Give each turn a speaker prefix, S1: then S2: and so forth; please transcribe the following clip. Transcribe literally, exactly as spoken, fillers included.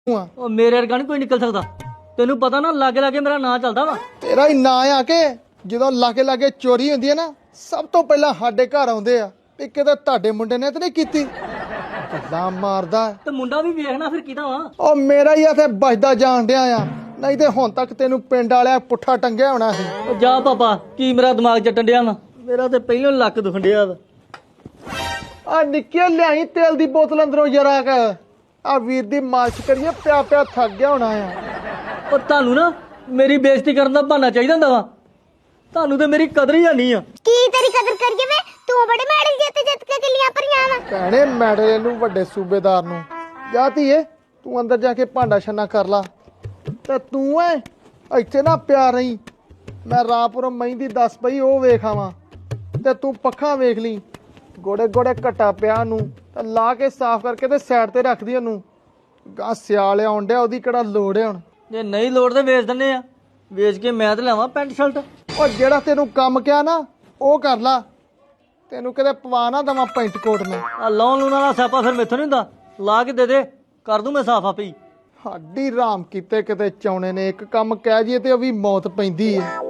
S1: ਉਹ ਮੇਰੇ ਵਰਗਾ ਨਹੀਂ ਕੋਈ ਨਿਕਲ ਸਕਦਾ। ਤੈਨੂੰ ਪਤਾ ਨਾ ਲਾਗੇ ਲਾਗੇ ਮੇਰਾ ਨਾਂ ਚੱਲਦਾ ਵਾ।
S2: ਤੇਰਾ ਹੀ ਨਾਂ ਆ ਕੇ ਜਦੋਂ ਲਾਗੇ ਲਾਗੇ ਚੋਰੀ ਹੁੰਦੀ ਹੈ ਨਾ ਸਭ ਤੋਂ ਪਹਿਲਾਂ ਸਾਡੇ ਘਰ ਆਉਂਦੇ ਆ ਵੀ ਕਿਤੇ ਤੁਹਾਡੇ ਮੁੰਡੇ ਨੇ ਤੇ ਨਹੀਂ ਕੀਤੀ। ਗੱਲਾਂ ਮਾਰਦਾ
S1: ਤੇ ਮੁੰਡਾ ਵੀ ਵੇਖਣਾ ਫਿਰ ਕਿਹਦਾ ਵਾ।
S2: ਉਹ ਮੇਰਾ ਹੀ ਆ ਤੇ ਬਚਦਾ ਜਾਣ ਡਿਆ ਆ, ਨਹੀਂ ਤੇ ਹੁਣ ਤੱਕ ਤੈਨੂੰ ਪਿੰਡ ਵਾਲਿਆ ਪੁੱਠਾ ਟੰਗਿਆ ਹੋਣਾ ਸੀ।
S1: ਉਹ ਜਾ ਪਾਪਾ, ਕੀ ਮੇਰਾ ਦਿਮਾਗ ਚੱਟਣ ਡਿਆ ਵਾ। ਮੇਰਾ ਤੇ ਪਹਿਲਾਂ ਲੱਕ ਦੁਖਣ ਡਿਆ ਵਾ।
S2: ਆ ਨਿੱਕੇ ਲਿਆਈ ਤੇਲ ਦੀ ਬੋਤਲ ਅੰਦਰੋਂ ਜਰਾ ਕ ਆ ਵੀਰ ਦੀ ਮਾਲਿਸ਼ ਕਰੀਏ, ਪਿਆ ਪਿਆ ਥੱਕ ਗਿਆ ਹੋਣਾ ਆ।
S1: ਉਹ ਤੁਹਾਨੂੰ ਨਾ ਮੇਰੀ ਬੇਇੱਜ਼ਤੀ ਕਰਨ ਦਾ ਬਹਾਨਾ ਚਾਹੀਦਾ ਹੁੰਦਾ ਵਾ। ਤੁਹਾਨੂੰ ਤੇ ਮੇਰੀ ਕਦਰ ਹੀ ਨਹੀਂ ਆ।
S3: ਕੀ ਤੇਰੀ ਕਦਰ ਕਰੀਏ ਵੇ, ਤੂੰ ਬੜੇ ਮੈਡਲ ਜਿੱਤ ਜਿੱਤ ਕੇ ਕਿੱਲੀਆਂ ਭਰੀਆਂ ਵਾ।
S2: ਭੈਣੇ ਮੈਡਲ ਨੂੰ ਵੱਡੇ ਸੂਬੇਦਾਰ ਨੂੰ ਜਾ ਧੀਏ, ਤੂੰ ਅੰਦਰ ਜਾ ਕੇ ਭਾਂਡਾ ਛੰਨਾ ਕਰ ਲਾ ਤੇ ਤੂੰ ਐ ਇੱਥੇ ਨਾ ਪਿਆ ਰਹੀ। ਮੈਂ ਰਾਪੁਰ ਮਹਿੰਦੀ ਦੱਸ ਪਈ ਉਹ ਵੇਖ ਆਵਾਂ ਤੇ ਤੂੰ ਪੱਖਾਂ ਵੇਖ ਲਈ। ਗੋੜੇ ਗੋੜੇ ਘਟਾ ਪਿਆ ਨੂੰ ਤੇ ਲਾ ਕੇ ਸਾਫ਼ ਕਰਕੇ ਤੇ ਸਾਈਡ ਤੇ ਰੱਖਦੀ ਉਹਨੂੰ। ਗਾਂ ਸਿਆਲ ਆਉਣ ਡਿਆ, ਉਹਦੀ ਕਿਹੜਾ ਲੋੜ ਹੈ ਹੁਣ।
S1: ਜੇ ਨਹੀਂ ਲੋੜ ਤੇ ਵੇਚ ਦਿੰਨੇ ਆ। ਵੇਚ ਕੇ ਮੈਂ ਤੇ ਲਾਵਾਂ ਪੈਂਟ ਸ਼ਰਟ।
S2: ਉਹ ਜਿਹੜਾ ਤੈਨੂੰ ਕੰਮ ਕਿਹਾ ਨਾ ਉਹ ਕਰ ਲਾ, ਤੈਨੂੰ ਕਿਤੇ ਪਵਾ ਨਾ ਦੇਵਾਂ ਪੈਂਟ ਕੋਟ ਮੈਂ।
S1: ਆ ਲਾਉਣ ਲੂਣ ਵਾਲਾ ਸਿਆਪਾ ਫਿਰ ਮੈਥੋਂ ਨਹੀਂ ਹੁੰਦਾ। ਲਾ ਕੇ ਦੇ ਦੇ, ਕਰ ਦੂੰ ਮੈਂ ਸਾਫ਼ ਆਪੇ ਹੀ।
S2: ਸਾਡੀ ਰਾਮ ਕੀਤੇ ਕਿਤੇ ਚਾਉਣੇ ਨੇ ਇੱਕ ਕੰਮ ਕਹਿ ਜੀਏ ਤੇ ਉਹ ਵੀ ਮੌਤ ਪੈਂਦੀ ਹੈ।